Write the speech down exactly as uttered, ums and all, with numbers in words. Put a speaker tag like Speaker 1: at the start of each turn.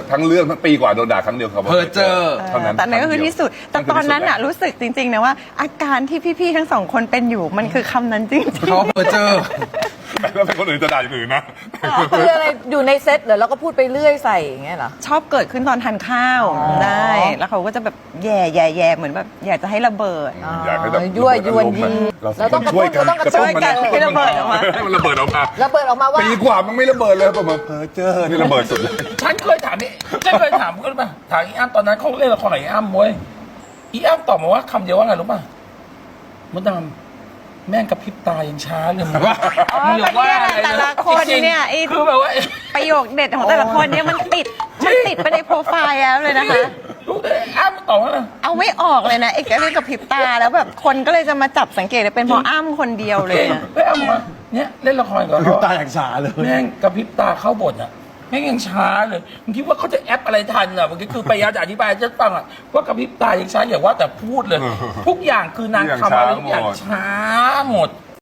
Speaker 1: ทั้งเรื่องทั้งปีกว่าโดนด่าครั้งเดียวครับ
Speaker 2: เพอเจอ
Speaker 1: เท่านั้น
Speaker 3: แต่นั่นก็คือที่สุดแต่ตอนนั้นอะรู้สึกจริงๆนะว่าอาการที่พี่ๆทั้งสองคนเป็นอยู่มันคือคำนั้นจริงๆ
Speaker 2: เขาเพอเจอ
Speaker 1: แล้วเป็นคนอื่นจะด่าอย่างอื่นนะ
Speaker 4: คืออะไรอยู่ในเซตเหรอแล้วก็พูดไปเรื่อยใส่อย่างเงี้ยเหรอ
Speaker 3: ชอบเกิดขึ้นตอนทานข้าวได้ แล้วเขาก็จะแบบแย่แย่แย่เหมือนแบบอยากจะให้ระเบิด
Speaker 1: อยากให้แบบ
Speaker 4: ยั่วยวนยิง
Speaker 1: เรา
Speaker 4: เราต้องกระตุ้นเราต้องกระตุ้น
Speaker 3: ช่วยกันให้ระเบิดออกมา
Speaker 1: ให้มันระเบิดออกมา
Speaker 4: ระเบิดออกมาว่า
Speaker 1: ปีกว่ามันไม่ระเบิดเลยประมาณเพอเจอนี่ระเบิดสุดเลย
Speaker 5: ฉันเคยถามนี่ฉันเคยถามเขาหรือเปล่าถามอีอ้ำตอนนั้นเขาเล่นละครกับอีอ้ำเว้ยอีอ้ำตอบมาว่าคำเดียวว่าไงรู้ป่ะมดดำแม่งกระพริบตายังช้าเลยมึง
Speaker 3: อ๋อ
Speaker 5: มึงว่าอะไร
Speaker 3: แต่ละคนเนี่ยไอ้
Speaker 5: คือแบบว่า
Speaker 3: ประโยคเด็ดของแต่ละคนเนี่ยมันติดมันติดไปในโปรไฟล์แล้วเลยนะคะ
Speaker 5: รู้เลยอ้ำตอบว่า
Speaker 3: เอาไม่ออกเลยนะไอ้เรื่องกับพริบตาแล้วแบบคนก็เลยจะมาจับสังเกตเลยเป็นเพราะอ้ำคนเดียวเลยอะ
Speaker 5: ไม่อ้ำมาเนี่ยเล่นละครกับ
Speaker 2: กระพริบ
Speaker 5: เขา
Speaker 2: ตาอย่างช้าเลย
Speaker 5: แม่งกระพริบตาเข้าบทอ่ะแม่งยังช้าเลยมึงคิดว่าเขาจะแอปอะไรทันเหรอเมื่อกี้คือพยายามจะอธิบายให้ฉันฟังอ่ะว่ากระพริบตายังช้าอย่าว่าแต่พูดเลย ทุกอย่างคือนางทำอะไรทุกอย่างช้าหมด